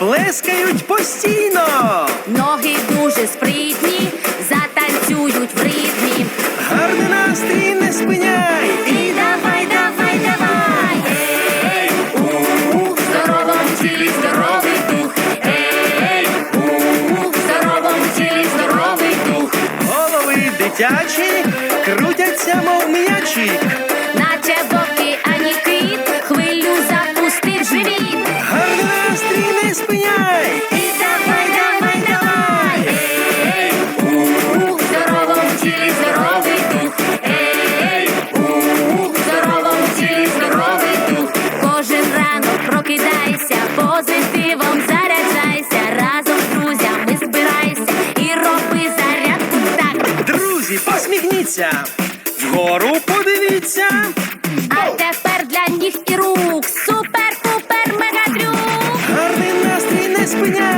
плескають постійно. Ноги дуже спритні, затанцюють в ритмі. Гарний настрій не спиняй. І давай, давай, давай. Ей, в здоровому тілі здоровий дух. Ей, в здоровому тілі здоровий дух. Голови дитячі крутяться, мов м'ячі. Наче боки, ані кит, хвилю запустив живіт. Гарний настрій не спиняй. І давай, давай, давай. Ей, в здоровому тілі здоровий дух. Ей, в здоровому тілі здоровий дух. Кожен ранок прокидайся, позитивом заряджайся. Разом з друзями збирайся і роби зарядку так. Друзі, посміхніться. Вгору подивіться. А тепер для ніг і рук супер-пупер мегатрюк. Гарний настрій не спиняй.